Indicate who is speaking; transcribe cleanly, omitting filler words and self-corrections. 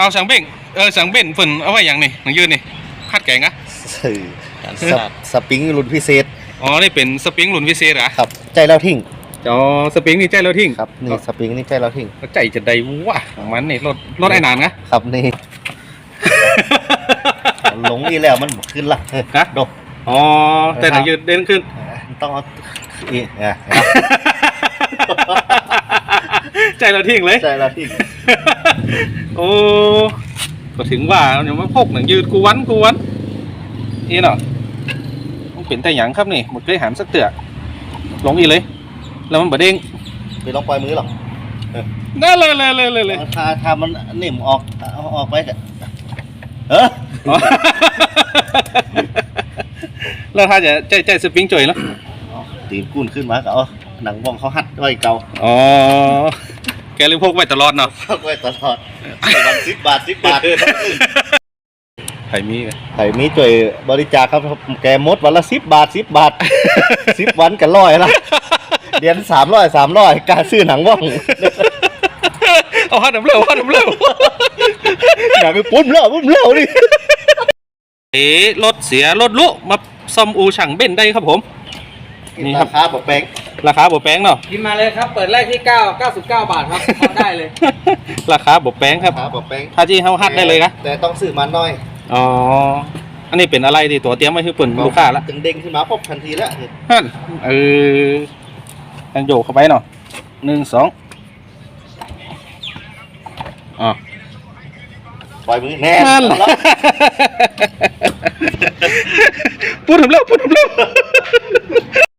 Speaker 1: เอาสังเบ่งสังเบ่งฝนเอาไว้อย่างนี่หนังยืนนี่คัดแกงอะ
Speaker 2: สื่อสปริงรุ่นพิเศษ
Speaker 1: อ๋อนี่เป็นสปริงหลุนวิเศษเหรอ
Speaker 2: ครับใจแล้วทิ้ง
Speaker 1: อ๋อสปริงนี่ใจเราทิ้ง
Speaker 2: ครับนี่สปริงนี่ใจแล้วทิ้ง
Speaker 1: ใจจะได้วะมันนี่รถไอ้นานนะครับ
Speaker 2: นี่หลงนี่แล้วมันขึ้นละ
Speaker 1: ฮะ
Speaker 2: ดก
Speaker 1: อ๋อแต่หนังยืนเด่นขึ้น
Speaker 2: ต้องเอาอีก
Speaker 1: ใจเราทิ้งเลย
Speaker 2: ใจแล้วทิ้ง
Speaker 1: โอ้ก็ถึงว่าอย่างว่าพกหนังยืนกูวันนี่เนาะต้องเป็นแต่หยังครับนี่หมดเลยหามสักเตือลงอีเลยแล้วมันบดเด้ง
Speaker 2: ไปลองปล่อยมือหรอ
Speaker 1: นั่นเลย
Speaker 2: ถ้ามันนิ่มออกไป
Speaker 1: แล้วถ้าจะใจสปริงจ่อยแล้ว
Speaker 2: ตีนกุ้นขึ้นมาก็เอาหนังว่องเขาหัดไว้เก่า
Speaker 1: อ๋อแกเลยพกไว้ตลอดเนาะ
Speaker 2: พกไว้ตลอดวัน10 บาท
Speaker 1: ไผ่
Speaker 2: มีจ่วยบริจาคครับแกมดวันละ10 บาท10 วันกัน100ละเดือน300การซื้อหนังว่อง
Speaker 1: เอาหัดน้ำเร็ว
Speaker 2: อยากไปปุ้มเร็วดิ
Speaker 1: รถเสียรถลุมาซ่อมอูช่างเบ้นได้ครับผม
Speaker 2: นี่ครับราคาบ่แพง
Speaker 1: เนาะ
Speaker 3: พิมพ์มาเลยครับเปิดแรกที่99 บาทครับพอได้เลย
Speaker 1: ราคาบ่แพงครับถ้าที่เฮาฮัดได้เลยนะ
Speaker 2: แต่ต้องซื้อมาน้อย
Speaker 1: อ๋ออันนี้เป็นอะไรที่ตัวเตรียมไว้ให้เปิ่นลูกค้าละ
Speaker 2: ถึงเด้งขึ้นมาพบทันทีแล้ว
Speaker 1: ฮั่นยังโยกเข้าไปเนาะ1 2อ๋อ
Speaker 2: ปล่อยมือแน่
Speaker 1: พูดถึงแล้ว